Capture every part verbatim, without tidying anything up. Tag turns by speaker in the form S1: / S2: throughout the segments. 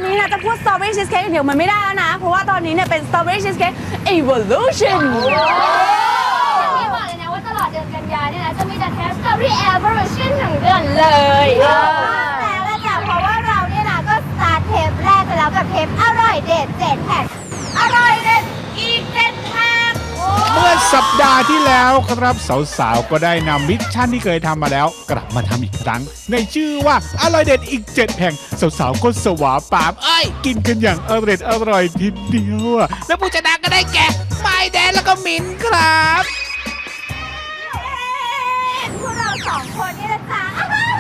S1: นี้นะจะพูด strawberry cheesecake เดี๋ยวมันไม่ได้แล้วนะเพราะว่าตอนนี้เนี่ยเป็น strawberry cheesecake evolution
S2: พี่บอกเลยนะว่าตลอดเดือนกันยายนเนี่ยนะจะมีแต่เทส strawberry evolution ทั้งเดือนเลยแล้วละจ้ะเพราะว่าเราเนี่ยนะก็สตาร์ทเทปแรกไปแล้วกับเทปอร่อยเด็ดเจ็ดแพ็คอร่อยเด็ดอีกเจ็ดแพ็ค
S3: เมื่อสัปดาห์ที่แล้วครับสาวๆก็ได้นำมิชชั่นที่เคยทำมาแล้วกลับมาทำอีกครั้งในชื่อว่าอร่อยเด็ดอีกเจ็ดแห่งสาวๆก็สวาปามเอ้ยกินกันอย่างอร่อยอร่อยทีเดียวและผู้ชนะก็ได้แก่ไมแดนแล้วก็มินครับ
S2: พวกเราสองคนนี่นะจ๊ะ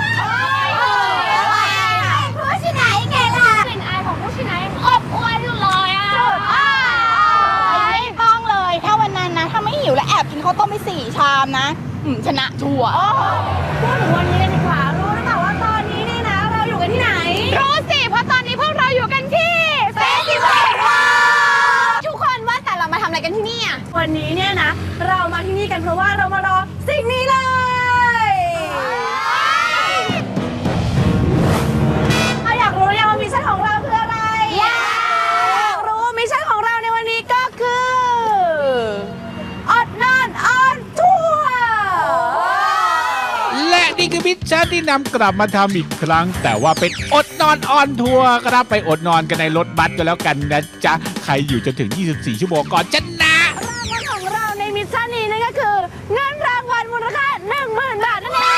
S2: ผู้ชนะยังไงล่ะกลิ่นอายของผู้ชนะยังอบอวลอยู่เลยอ่ะ
S4: ไม่ต้องเลยถ้าวันนั้นนะถ้าไม่หิวแล้วแอบกินข้าวต้มไปสี่ชามนะชนะชัวร์
S1: พูดถึงวันนี้กันดีกว่ารู้หรือเปล่าว่าตอนนี้เนี่ยนะเราอยู่กันที่ไหน
S4: รู้สิเพราะตอนนี้พวกเราอยู่กันที่เฟสติวัลทุกคนว่าแต่เรามาทำอะไรกันที่นี่อ่ะ
S1: วันนี้เนี่ยนะเรามาที่นี่กันเพราะว่าเรามารอสิ่งนี้เลยเอาอยากรู้ยังว่ามิชชั่นของเราคืออะไรอยากรู้มิชชั่นของเราในวันนี้ก็คืออดนอนออนทัวร์
S3: และนี่คือมิชชั่นที่นำกลับมาทำอีกครั้งแต่ว่าเป็นอดนอนออนทัวร์ครับไปอดนอนกันในรถบัสกันแล้วกันนะจ๊ะใครอยู่จนถึงยี่สิบสี่ชั่วโมงก่อนชนะ
S1: รางวัลของเราในมิชชั่นนี้นั่นก็คือเงินรางวัลมูลค่า หนึ่งหมื่น บาทนั่นเอง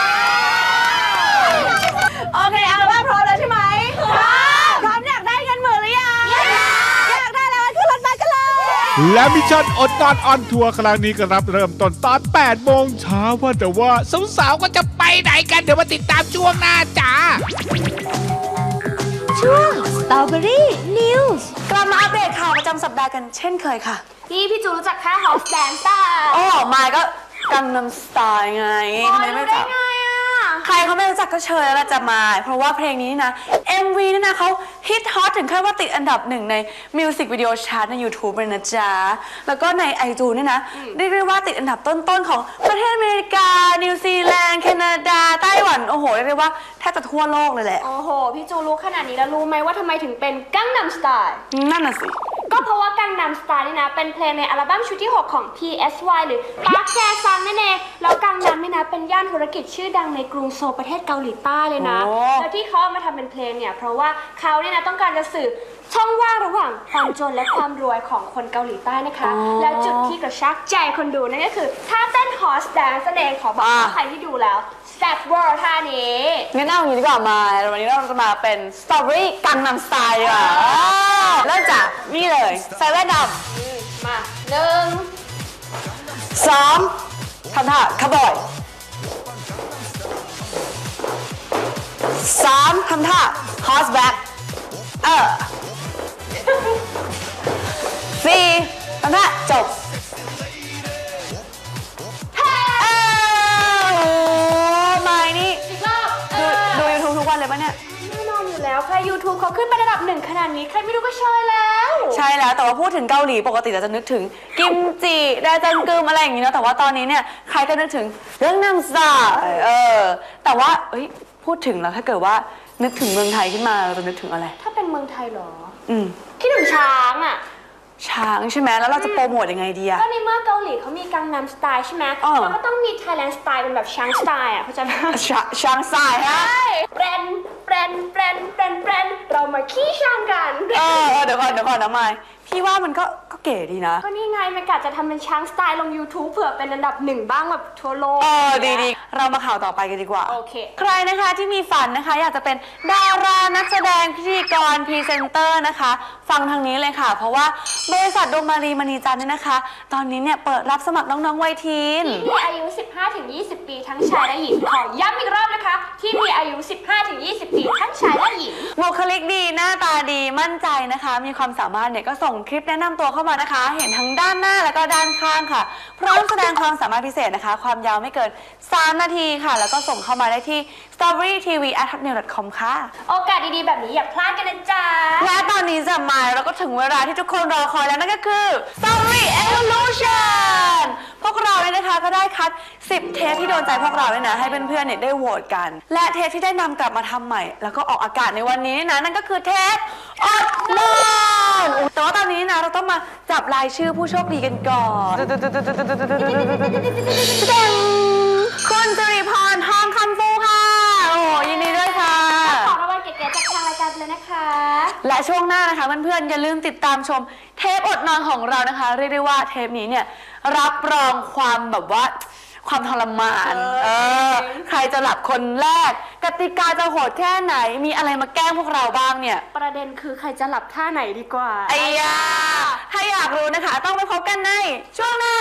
S1: โอเคเอาว่าพร้อมแล้วใช่ไหมพร้อมพร้อมอยากได้เงินหมื่นหรือยังอยากได้แล้วขึ้นรถบัสกันเลย
S3: และมิชชั่นอดนอนออนทัวร์ครั้งนี้ก็รับเริ่มต้นตอนแปดโมงเช้าว่าแต่ว่าสาวๆก็จะไปไหนกันเดี๋ยวมาติดตามช่วงหน้าจ้า
S1: ช่วง Strawberry News กลับมาอัปเดตข่าวประจำสัปดาห์กันเช่นเคยค่ะ
S2: นี่พี่จูรู้จักค่า House Dance ป่ะ
S1: อ๋อมายก็กังนัมสไตล์ไง
S2: ไม่รู้ได้ไงอ่ะ
S1: ใครเขาไม่รู้จักก็เชิญแล้วจะมาเพราะว่าเพลงนี้นะ เอ็ม วี นี่นะเขาฮิตฮอตถึงขั้นว่าติดอันดับหนึ่งในมิวสิกวิดีโอชาร์ตใน YouTube เลยนะจ๊ะแล้วก็ใน ไอจูน นี่นะเรียกได้ว่าติดอันดับต้นๆของประเทศอเมริกานิวซีแลนด์แคนาดาไต้หวันโอ้โหเรียกได้ว่าแทบจะทั่วโลกเลยแหละ
S2: โอ้โหพี่จูรู้ขนาดนี้แล้วรู้ไหมว่าทำไมถึงเป็นกังนัมสไตล์
S1: นั่นน่ะสิ
S2: ก็เพราะว่ากังนัมสไตล์นี่นะเป็นเพลงในอัลบั้มชุดที่หกของ พี เอส วาย หรือ Park Jae-sung นั่นเองแล้วกังนัมนี่นะเป็นย่านธุรกิจชื่อดังในกรุงโซลประเทศเกาหลีใต้เลยนะแล้วที่เขาเอามาทำเป็นเพลงเนี่ยเพราะว่าเขาเนี่ยนะต้องการจะสื่อช่องว่างระหว่างความจนและความรวยของคนเกาหลีใต้นะคะแล้วจุดที่กระชากใจคนดูนั่นก็คือท่าเต้น Horse Dance นั่นเองขอบอกว่าใครที่ดูแล้วแซ่บเวอร์ท่านี้
S1: งั้นเอาอย่างนี้ดีกว่ามาวันนี้เราจะมาเป็น Strawberry กังนัมสไตล์ดีกว่าเริ่มจากนี่เลยใส่แว่นด
S2: ำมาหนึ่ง
S1: สองทำท่าคาร์บอยสามทำท่า horseback เออสี่ทำท่าจบเออไม่นี่ดูดู YouTube ทุกวันเลยปะเนี่ย
S2: แน่นอนอยู่แล้วใคร YouTube เขาขึ้นไประดับหนึ่งขนาดนี้ใครไม่รู้ก็เชยแล้ว
S1: ใช่แล้วแต่ว่าพูดถึงเกาหลีปกติเราจะนึกถึงกิมจิแดจังกึมอะไรอย่างนี้เนาะแต่ว่าตอนนี้เนี่ยใครก็นึกถึงเรื่องน้ำซาเออแต่ว่าเอ้ยพูดถึงแล้วถ้าเกิดว่านึกถึงเมืองไทยขึ้นมาเราจะนึกถึงอะไร
S2: ถ้าเป็นเมืองไทยเหรอ
S1: อืม
S2: คิดถึงช้างอ่ะ
S1: ช้างใช่ไหมแล้วเราจะโปรโมทยังไงดีอะ
S2: ก็ในเมื่อเกาหลีเขามีกังนัมสไตล์ใช่ไหมเราก็ต้องมีไทยแลนด์สไตล์เป็นแบบช้างสไตล์อ่ะเข้าใจไหม
S1: ช้างสไตล์ฮะ
S2: แบรนแบรนแบรนแบรนแบรนเรามาขี้ช้างกัน
S1: เออเดี๋ยวก่อนเดี๋ยวก่อนนะมายพี่ว่ามันก็ก็เก๋ดีนะ
S2: ก็นี่ไงมันกะจะทำเป็นช้างสไตล์ลง YouTube เผื่อเป็นอันดับหนึ่งบ้างแบบทั่วโลก
S1: เออดีๆเรามาข่าวต่อไปกันดีกว่า
S2: โอเค
S1: ใครนะคะที่มีฝันนะคะอยากจะเป็นดารานักแสดงพิธีกรพรีเซนเตอร์นะคะฟังทางนี้เลยค่ะเพราะว่าบริษัทดวงมารีมณีจันทร์เนี่ยนะคะตอนนี้เนี่ยเปิดรับสมัครน้องๆวัยทีน
S2: ที่มีอายุ สิบห้าถึงยี่สิบ ปีทั้งชายและหญิงขอย้ำอีกรอบนะคะที่มีอายุ สิบห้าถึงยี่สิบ ปีทั้งชายและหญิง
S1: บุคลิกดีหน้าตาดีมั่นใจนะคะมีความสามารถเนี่ยก็ส่งคลิปแนะนำตัวเข้ามานะคะเห็นทั้งด้านหน้าแล้วก็ด้านข้างค่ะพร้อมแสดงความสามารถพิเศษนะคะความยาวไม่เกินสามนาทีค่ะแล้วก็ส่งเข้ามาได้ที่ สตรอเบอรี่ทีวีแอท ฮอตเมล ดอท คอม ค่ะ
S2: โอกาสดีๆแบบนี้อย่าพลาดกันนะจ๊ะ
S1: และตอนนี้จะมาแล้วก็ถึงเวลาที่ทุกคนรอคอยแล้วนั่นก็คือ Strawberry Evolution พวกเราเนี่ยนะคะนะคะก็ได้คัดสิบเทปที่โดนใจพวกเราเนี่ยนะให้เพื่อนๆเนี่ยได้โหวตกัน และเทปที่ได้นำกลับมาทำใหม่ แล้วก็ออกอากาศในวันนี้นะนั่นก็คือเทปอดนอนแต่ว่าตอนนี้นะเราต้องมาจับรายชื่อผู้โชคดีกันก่อนคุณจริพรทองคำฟูค่ะโอ้ยินดีด้วยค่ะ
S2: ขอรางวัลเก๋ๆจากทางรายการเลยนะคะ
S1: และช่วงหน้านะคะเพื่อนๆอย่าลืมติดตามชมเทปอดนอนของเรานะคะเรียกได้ว่าเทปนี้เนี่ยรับรองความแบบว่าความทรมานเออใครจะหลับคนแรกกติกาจะโหดแค่ไหนมีอะไรมาแกล้งพวกเราบ้างเนี่ย
S2: ประเด็นคือใครจะหลับท่าไหนดีกว่า
S1: ไอ้ยาถ้าอยากรู้นะคะต้องไปพบกันในช่วงหน้า